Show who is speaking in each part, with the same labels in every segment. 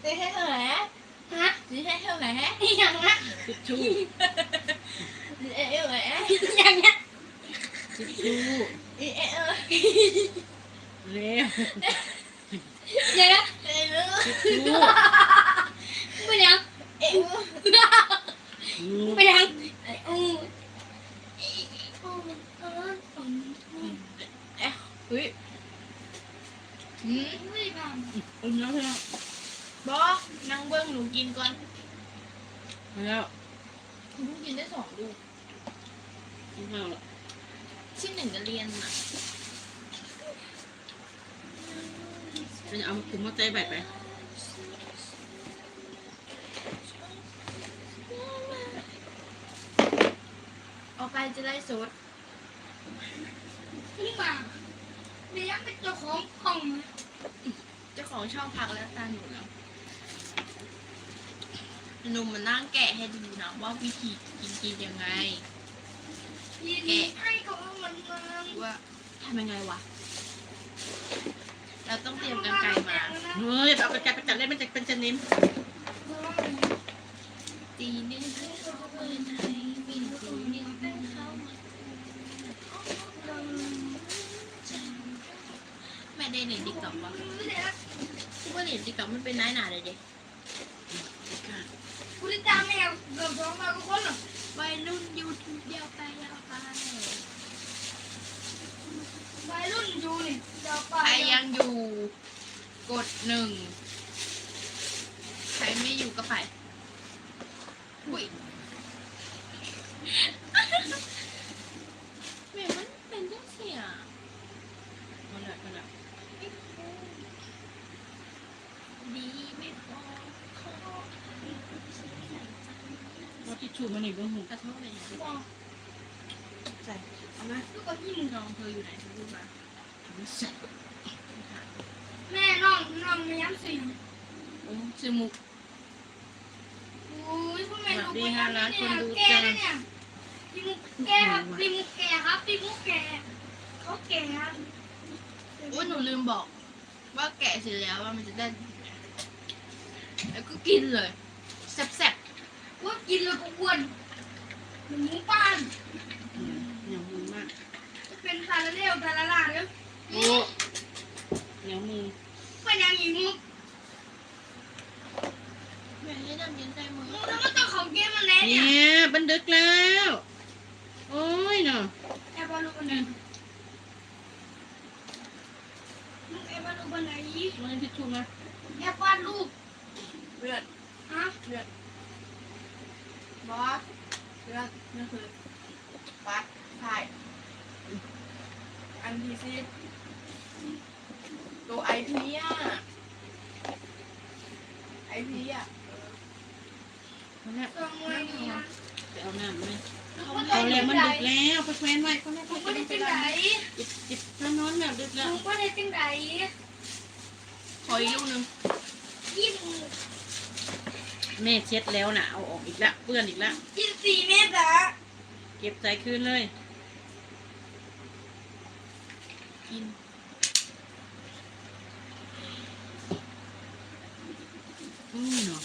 Speaker 1: จะให้เท่าไหร่ฮะจะให้เท่าไหร่อย่างนะ
Speaker 2: ทิชชู่
Speaker 1: จะให้เท่าไหร่อย่างเงี้ย
Speaker 2: ทิชชู่เร็ว
Speaker 1: อย่างเงี้ย
Speaker 2: ทิชชู่
Speaker 1: ไปยังไปยังเฮ้ยไม่ทำ
Speaker 2: แล้วแล้ว
Speaker 1: บอกนั่งเบิ้งหนูกินก่อน
Speaker 2: แล้ว
Speaker 1: หนูกินได้2 ลูก
Speaker 2: กินข้าวแล้ว
Speaker 1: ที่1จะเรียนอ่ะ
Speaker 2: จะเอาถุงมาใจแบบไป
Speaker 1: ออกไปจะได้สดนี่มาเรียกเป็นเจ้าของห้องเจ้าของช่องพักแล้วตาหนูแล้วหนุ่มมานั่งแกะให้ดูนะว่าวิธีกินยังไงแกะให้เขามันว่าทำยังไงวะเราต้องเตรียมกรรไกรมา
Speaker 2: เฮ้ยเอากระจายไปจัดเล่นมันจะเป็นชนิด
Speaker 1: ตีนี่ให้เขาเปิดให้บินตีนี่ให้เขาแม่ได้เรียนติ๊กต็อกวะกูว่าเรียนติ๊กต็อกมันเป็นน้ายหนาเลยเด็กกูได้ตามแมวเกือบ2 มาก็คนหรอวัยรุ่นยูทูบเดียวไปยาวไปวัยรุ่นยูนี่ยาวไปใครยังอยู่กด1ใครไม่อยู่ก็ไปอุ้ยแม่มันเป็นจังเสีย
Speaker 2: มันละ
Speaker 1: ดีไม่พอ
Speaker 2: ว่าทิชชู่มันอีกบ้างหู
Speaker 1: กระทบเลย
Speaker 2: ใส่เอาไหม
Speaker 1: ลูกก็ที่มึงน้องเธออยู่ไหนเธอพูดมา
Speaker 2: ใส่
Speaker 1: แม่น้องไม่ย้ำสิโอ้ชื่อมุกโอ้ยพวกแม่ลูกไม่ย้ำเนี่ยแกเนี่ยพี่มุกแกครับพี่มุกแกครับพี่มุกแกเขาแกครับโอ้ยหนูลืมบอกว่าแกะเสร็จแล้วว่ามันจะได้แล้วก็กินเลยแซ่บๆว่ากินแล้วก็อ้วนเหมือนหมูป้าน
Speaker 2: เหนียวมือมาก
Speaker 1: จะเป็นซาลาเล่ซาลาล่าเนี่ย
Speaker 2: โอ้เหนียวมือ
Speaker 1: เป็นยังอีมุกแม่ให้ดำเย็นใจมือแล้วมันต้องของเกมมันแน่
Speaker 2: เนี่ยบันดึกแล้วโอ้ยเนาะ
Speaker 1: แอบมาลูกอันนั้นลูกแอบมาลูกอันไหน
Speaker 2: มันทิชชู่มา
Speaker 1: แอบวาดรูปเลือดฮะเลือดบอสเลือดนี่คือวัดถ่ายอันที่สิตัวไอพีอ่ะไอพีอ่ะ
Speaker 2: มันเนี่ยไปเอาน้ำไหมเอาแล้วมันดึกแล้วไปแควนไว้ก็ไม่
Speaker 1: ก็ได้จังไหน
Speaker 2: จิบนอนแบบดึกแล้ว
Speaker 1: ก็ได้จังไหนขออีกลูกนึง
Speaker 2: แม่เช็ดแล้วนะเอาออกอีกแล้วเปื้อนอีกแล้ว
Speaker 1: 24 เมตรอะ
Speaker 2: เก็บใส่คืนเลย
Speaker 1: กิน
Speaker 2: เนาะ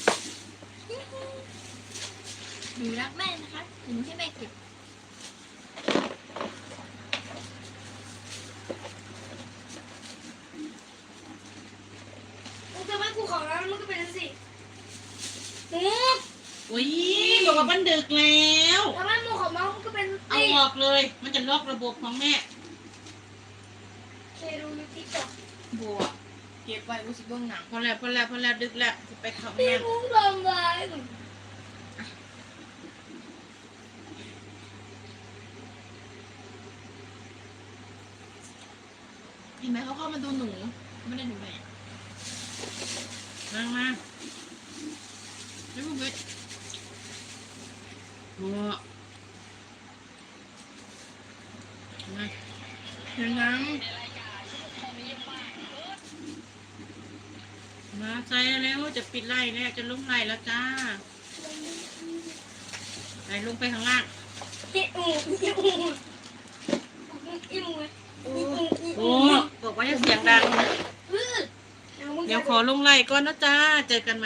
Speaker 1: หนูรักแม่นะคะหนูให้แม่เก็บทำไมกูขอแล้วมันก็เป็นสิ
Speaker 2: โอ้ยบอกว่ามันดึกแล้ว
Speaker 1: ทำไมมูของมันก็เป็น
Speaker 2: เอาออกเลยมันจะล็อกระบบของแม่
Speaker 1: เคดูยูทิกต็อกบัวเก็บไว้กูสิเบื้องหนัง
Speaker 2: พอแล้วดึกแล้วจะไปเข้า
Speaker 1: พี่
Speaker 2: แม่
Speaker 1: มุ้งทำไรเห็นไหมเขาเข้ามาดูหนูไม่ได้ดูแม่
Speaker 2: มา
Speaker 1: ไม่พูดเลย
Speaker 2: โอ้มา
Speaker 1: เดี๋ยวนั้น
Speaker 2: มาใส่แล้วจะปิดไล่แล้วจะลงไล่แล้วจ้าไหลลงไปข้างล่างโอ้บอกว่าอย่าเสียงดังเดี๋ยวขอลงไล่ก่อนนะจ้าเจอกัน